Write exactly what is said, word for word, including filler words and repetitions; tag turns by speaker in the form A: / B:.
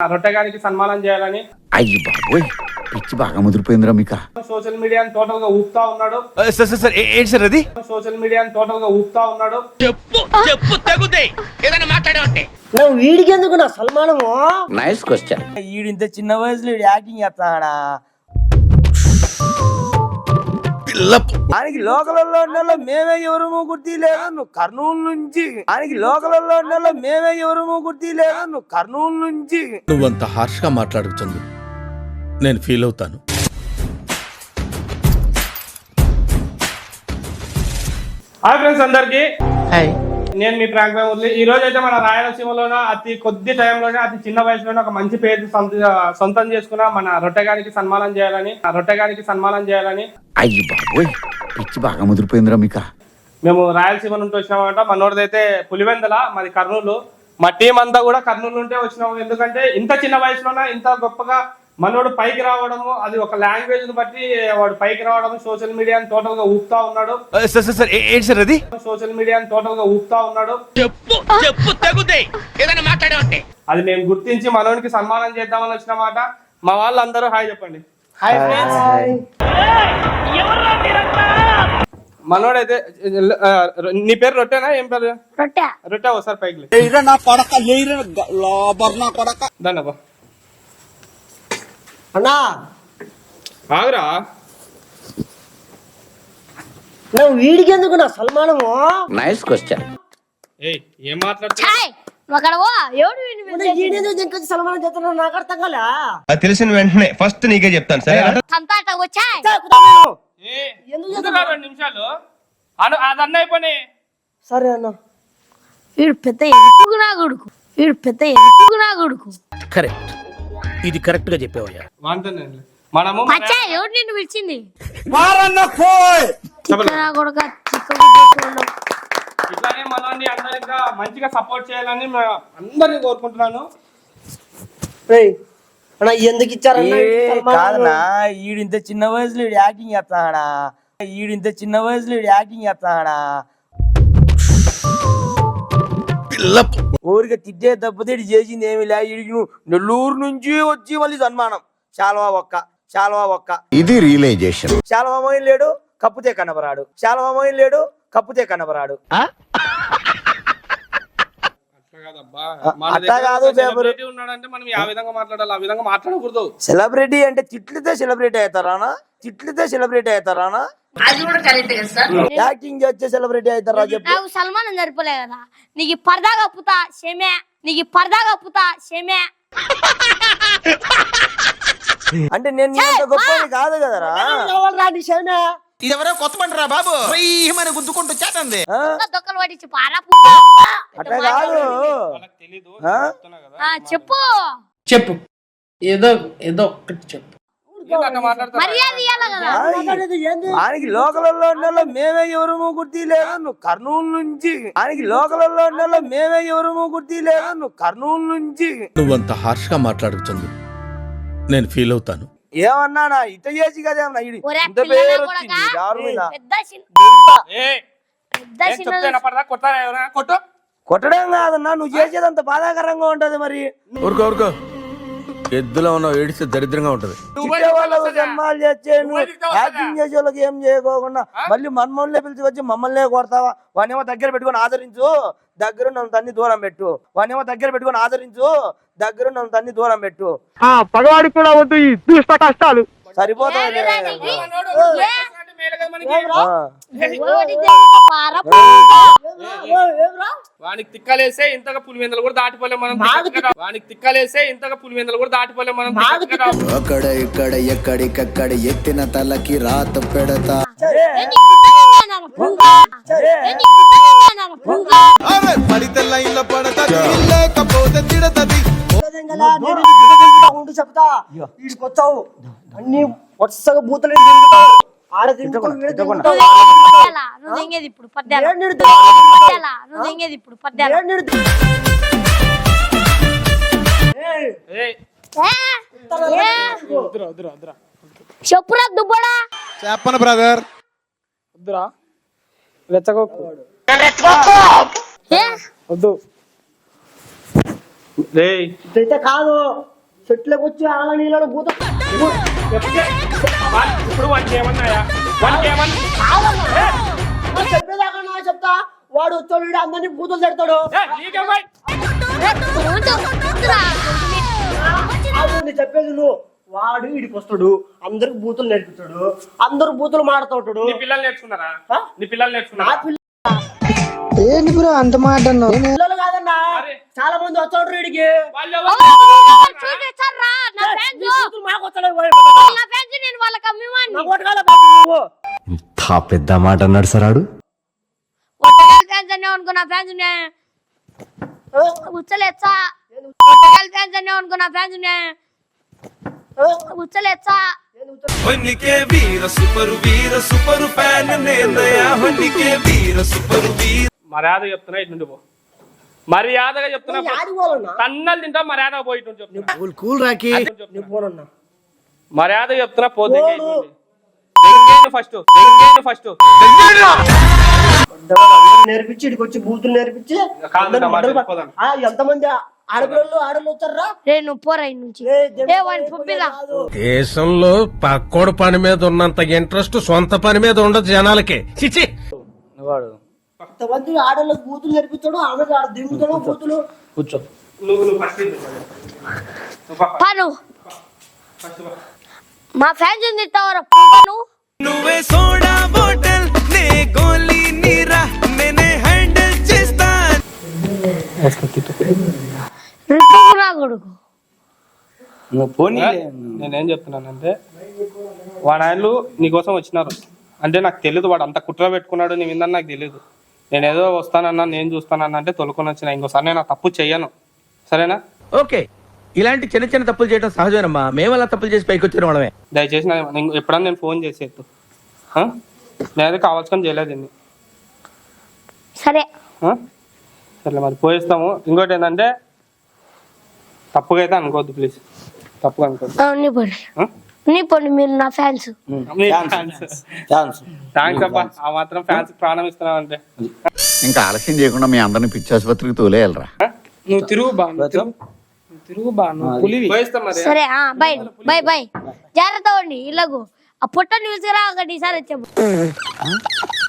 A: రొట్టెగానికి సన్మానం చేయాలని.
B: అయ్యి బాబోయ్, పిచ్చి బాగా ముదిరిపోయిందిరా మీకు.
A: సోషల్ మీడియాని టోటల్ గా ఊపుతా ఉన్నాడు.
C: ఏంటి సార్ అది?
A: సోషల్ మీడియాని టోటల్ గా ఊపుతా ఉన్నాడు.
C: చెప్పు చెప్పు తగుదే ఏదైనా మాట్లాడే
D: నువ్వు వీడికి ఎందుకు నా సల్మానము?
B: Nice question.
D: వీడి ఇంత చిన్న వయసులో వీడు యాక్టింగ్ చేస్తాడా? ఆయనకి లోకలలో ఉన్న మేమే ఎవరు గుర్తి లేదు, నువ్వు కర్నూలు నుంచి. ఆయనకి లోకలలో ఉన్న మేమే ఎవరు గుర్తి లేదు, నువ్వు కర్నూలు నుంచి.
E: నువ్వంత హార్ష్ గా మాట్లాడుతుంది నేను ఫీల్ అవుతాను.
A: హాయ్ ఫ్రెండ్స్ అందరికి, నేను మీ ప్రాంక్ మురళి. ఈ రోజు అయితే మన రాయలసీమలోనే అతి కొద్ది టైంలోనే అతి చిన్న వయసులోనే ఒక మంచి పేరు సొంతం చేసుకున్న మన రొట్టెగానికి సన్మానం చేయాలని రొట్టెగానికి సన్మానం చేయాలని
B: అయ్యి బాబోయ్, పిచ్చి బాగా ముదిరిపోయిందిరా మీకు.
A: మేము రాయలసీమ నుండి వచ్చినామంట. మనోడిదైతే పులివెందల, మాది కర్నూలు. మా టీం అంతా కూడా కర్నూలు నుండే వచ్చినాము. ఎందుకంటే ఇంత చిన్న వయసులోనే ఇంత గొప్పగా మనోడు పైకి రావడము, అది ఒక లాంగ్వేజ్ ని బట్టి వాడు పైకి రావడం, సోషల్ మీడియాని టోటల్ గా ఊపుతా ఉన్నాడు.
C: ఏంటి సార్ అది?
A: సోషల్ మీడియాని టోటల్ గా ఊపుతా ఉన్నాడు.
C: చెప్పు చెప్పు తగుదే ఏదైనా మాట్లాడే
A: అది మేము గుర్తించి మనోడికి సన్మానం చేద్దామని వచ్చినమాట. మా వాళ్ళందరూ హాయ్ చెప్పండి.
D: Hi friends.
A: మనోడైతే నీ పేరు రొట్టెనా? ఏం పేరు?
F: రొట్టె.
A: రొట్టె ఒకసారి పైకి దండబ్బా
D: అన్నా
A: ఆగురా.
D: నువ్వు వీడికి ఎందుకు నా సల్మానము?
B: Nice question.
A: ఏయ్ ఏం మాట్లాడుతున్నా?
D: సల్మానం చేస్తున్నా నాకు అర్థం కాలే.
G: తెలిసిన వెంటనే ఫస్ట్ నీకే చెప్తాను సరే.
A: రెండు నిమిషాలు అను అదన్న అయిపోయి.
D: సరే అన్న.
F: వీడు పెద్ద ఎరుపుగు నా కొడుకు, వీడు పెద్ద ఎరుపుగు నా కొడుకు.
C: కరెక్ట్, ఇది కరెక్ట్ గా చెప్పావయ్యా.
A: మనము
F: ఎవరు నిన్ను పిలిచింది?
A: ఇట్లానే మనల్ని అందరూ ఇంకా మంచిగా సపోర్ట్ చేయాలని అందరినీ కోరుకుంటున్నాను.
D: అన్నా ఎందుకు ఇచ్చారన్నా?
H: కాదనా, ఈడు ఇంత చిన్న వయసులో వీడు యాక్టింగ్ చేస్తాడా? ఈడు ఇంత చిన్న వయసులో వీడు యాక్టింగ్ చేస్తాడా? ఊరికే తిట్టే తప్పితే ఇటు చేసింది ఏమి లే. ఇడికి నెల్లూరు నుంచి వచ్చి మళ్ళీ సన్మానం. శాల్వా ఒక్క శాల్వా ఒక్క
B: ఇది రియలైజేషన్.
H: శాల్వా మోయిన్ లేడు, కప్పుతే కనబరాడు. శాల్వా మోయిన్ లేడు, కప్పుతే కనబరాడు. అట్లా కాదు,
A: ఉన్నాడంటే మనం ఆ విధంగా మాట్లాడాలి, ఆ విధంగా మాట్లాడకూడదు.
H: సెలబ్రిటీ అంటే తిట్లితే సెలబ్రిటీ అవుతారానా? తిట్లితే సెలబ్రిటీ అవుతారానా? యాక్టింగ్ చేస్తే సెలబ్రిటీ అవుతారా? చెప్పు.
F: నాకు సల్మానం సరిపోలే కదా, నీకు పరదా కప్పుతా షేమే, నీకు పరదా కప్పుతా షేమే.
H: అంటే నేను గొప్పది కాదు కదరా.
C: ఇదెవరో కొత్త పంటరా బాబు, మన గుద్దుకుంటూ చేతంది.
F: దొక్కలు పట్టించి పారా.
H: అట్లా కాదు,
F: చెప్పు
D: చెప్పు ఏదో ఏదో ఒక్కటి చెప్పు.
H: ఆయనకి లోకలలో ఉన్న మేమే ఎవరు గుర్తి లేదు, నువ్వు కర్నూలు నుంచి. ఆయనకి లోకలలో ఉన్న మేమే ఎవరు గుర్తి లేదు, నువ్వు కర్నూలు నుంచి.
E: నువ్వంత హార్ష్ గా మాట్లాడుతుంది నేను ఫీల్ అవుతాను.
H: ఏమన్నా ఇట చేసి కదేమన్నా ఇంత పేరు వచ్చింది ఎవరి మీద? కొట్టడం కాదన్నా, నువ్వు చేసేదంత బాధాకరంగా ఉంటది. మరి
E: ఊరుకో ఊరుకో, ఎద్దులో ఉన్నావు, ఏడిస్తే దరిద్రంగా ఉంటది.
H: వాళ్ళకు జన్మాలు చేస్తే యాక్టింగ్ చేసే వాళ్ళకి ఏం చేయకోకుండా మళ్ళీ మమ్మల్ని పిలిచి వచ్చి మమ్మల్ని కొడతావా? వానేమో దగ్గర పెట్టుకొని ఆదరించు, దగ్గర నన్ను తన్ని దూరం పెట్టు. వానేమో దగ్గర పెట్టుకొని ఆదరించు, దగ్గర నన్ను తన్ని దూరం పెట్టు.
G: పగవాడికి కూడా వద్దు ఈ దుష్ట కష్టాలు.
H: సరిపోతాయి.
A: వానికి తిక్కలేసే ఇంతగా పులివెందలు కూడా దాటిపోలే మనం. వానికి తిక్కలేసే ఇంతగా పులివెందలు కూడా దాటిపోలే మనం.
B: అక్కడ ఇక్కడ ఎక్కడికక్కడ ఎత్తిన తలకి రాత పెడతా.
D: చెప్తా వీడికొచ్చావు అన్ని వరుసగా బూతులు ఆడ
F: ఇప్పుడు పద్యాలు ఇప్పుడు పద్యాలు చెప్పురా దుబ్బడా.
G: చెప్పను బ్రదర్.
A: వద్దురా, రెచ్చగొక్కు వద్దు.
D: ఇదైతే కాదు,
H: చెట్లకు వచ్చి ఆల నీళ్ళలో భూత
A: ఇప్పుడు వానికి ఏమన్నాయా వానికి ఏమన్నా
H: చెప్పేదాకా నా చెప్తా వాడు వచ్చాడు వీడు అందరినీ బూతులు తిడతాడు అవును చెప్పేది నువ్వు వాడు వీడికి వస్తాడు అందరికి బూతులు నేర్పిస్తాడు అందరు బూతులు మాడుతూ ఉంటాడు
A: నీ పిల్లలు నేర్చుకున్నారా నీ పిల్లలు నేర్చుకున్నారా
H: ఏంటి బ్రో అంత మాట పిల్లలు కాదన్నా చాలా మంది వచ్చాడు వీడికి
A: వాళ్ళు
H: మాకు వస్తాడు
F: నేను వాళ్ళకి అమ్మివాడిని
G: ఇంత పెద్ద మాట అన్నాడు సరాడు
F: ఒట్టగల్ ఫ్యాన్స్ అనే అనుకున్నా ఫ్యాన్స్ ఉచ్చలేచ్చా ఒట్టగల్ ఫ్యాన్స్ అనే అనుకున్నా ఫ్యాన్స్ ఉచ్చలేచ్చా
I: ಹೊನ್ನಿಕೆ ವೀರ ಸೂಪರು ವೀರ ಸೂಪರು ಫ್ಯಾನ್ ನೇನಯ ಹೊನ್ನಿಕೆ ವೀರ ಸೂಪರು ವೀರ
A: మర్యాద చెప్తున్నా ఇటు నుండి పో మర్యాదగా చెప్తున్నా తన్నలు తింటా మర్యాదగా పోయి ఇటు నుంచి చెప్తున్నా
C: కూల్ రాకి
A: మర్యాద చెప్తున్నా పోతే ఫస్ట్ ఫస్ట్
H: నేర్పించి ఇడికి వచ్చి బూతులు నేర్పించి
A: కాదు, మరి వెళ్ళిపోదాం.
H: ఆ, ఎంతమంది ఆడపిల్లలు ఆడలు వచ్చారా
F: రే నువ్వు పోరా ఇటు నుంచి ఏ వాడిని పంపిదా
E: దేశంలో పక్కోడు పని మీద ఉన్నంత ఇంట్రెస్ట్ సొంత పని మీద ఉండదు జనాలకి చిచి
H: ఎంతమంది ఆడలకు బూతులు నేర్పించాడు ఆమె ఆడ దిగుతాడు బూతులు
A: కూర్చో నువ్వు నువ్వు ఫస్ట్
F: పను మా ఫ్యాన్స్ ఉంది తవర నువ్వు
I: నువ్వే సోడా బాటిల్ నే గోలీ నీరా నేనే హ్యాండిల్ చేస్తా
F: రిపుకురా కొడుకు
A: నేనేం చెప్తున్నానంటే వాడు ఆయనలు నీకోసం వచ్చినారు అంటే నాకు తెలియదు వాడు అంత కుట్ర పెట్టుకున్నాడు నీ మీద నాకు తెలియదు నేనేదో వస్తానన్నా నేను చూస్తానన్నా అంటే తొలుకొని వచ్చిన ఇంకోసారి నేను ఆ తప్పు చెయ్యను సరేనా
D: ఓకే ఇలాంటి చిన్న చిన్న తప్పులు చేయడం సహజమేనమ్మా మేము అలా తప్పులు చేసి పైకి వచ్చిన వాళ్ళమే
A: దయచేసి నా- నేను ఎప్పుడన్నా నేను ఫోన్ చేసేట్టు నేనైతే కావాల్సుకొని చేయలేదు దీన్ని
F: సరే
A: ఆ? సరే మరి పోయిస్తాము ఇంకోటి ఏంటంటే తప్పుగా అయితే అనుకోవద్దు ప్లీజ్ తప్పుగా అనుకోవద్దు
F: ఆ, నీ పండి
A: ఆ?
F: నీ పండి మీరు నా ఫ్యాన్స్
A: థ్యాంక్స్ అబ్బా ఆ మాత్రం ఫ్యాన్స్ ప్రాణం ఇస్తున్నావు అంటే
B: ఇంకా ఆలస్యం చేయకుండా మీ అందరిని పిచ్చి ఆసుపత్రికి తోలేయాలరా
A: నువ్వు తిరుగు బా తిరుగు బా పులివి పోయిస్తాం మరి
F: సరే ఆ బై బై బై జాగ్రత్త అండి ఇలాగూ ఆ పుట్టని విసిరా ఒకటి ఈసారి వచ్చాము